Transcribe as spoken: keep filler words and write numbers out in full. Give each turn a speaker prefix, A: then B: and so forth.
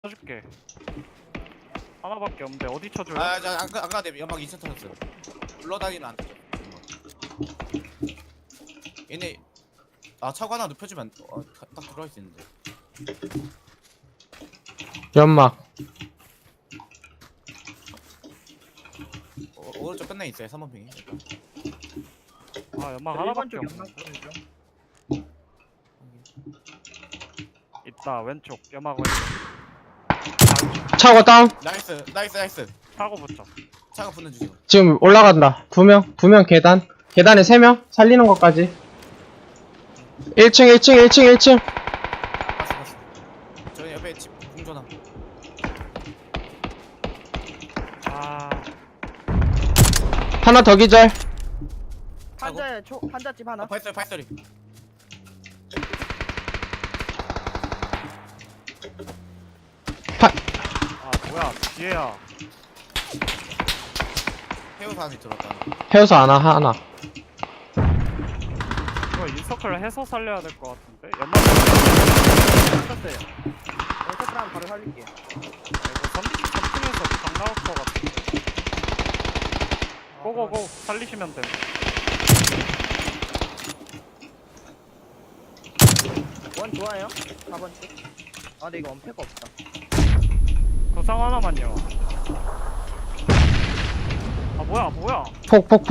A: 쳐줄게. 하나밖에 없는데 어디 쳐줘요?
B: 아, 저 아까 아까 내 연막 이천 터졌어요. 불러다니는 안 터져. 얘네 아 차고 하나 눕혀주면 안- 어, 딱- 딱 들어갈 수 있는데.
C: 연막.
B: 어, 오른쪽 끝내 있어요. 삼 번 핑이.
A: 아 연막
D: 일 번
A: 하나밖에
D: 쪽
A: 없네.
D: 연막 보내줘.
A: 있다 왼쪽 연막 왼쪽.
C: 차고 다운.
B: 나이스, 나이스, 나이스.
A: 타고 붙자.
B: 차가 붙는 중이고.
C: 지금 올라간다. 두 명, 두 명 계단. 계단에 세 명. 살리는 것까지. 일 층, 일 층, 일 층, 일 층.
B: 봤어, 봤어. 저희 옆에 집 공전함.
A: 아
C: 하나 더 기절.
D: 한자에 초 한자집 하나.
B: 어, 발소리, 발소리.
A: 아 뭐야 뒤에야.
B: 해우사 안에 들어왔다.
C: 해우서 하나, 하나.
A: 이거 인서클 해서 살려야 될 것 같은데. 연막
D: 쳤어요. 여기서 사람 바로 살릴게.
A: 이거 삼 층에서 강 나올 것 같은데. 고고고 살리시면 돼.
D: 원 좋아요. 사 번 쪽. 아 근데 이거 엄폐가 없다.
A: 구상 하나만요. 아 뭐야 뭐야.
C: 폭, 폭, 폭.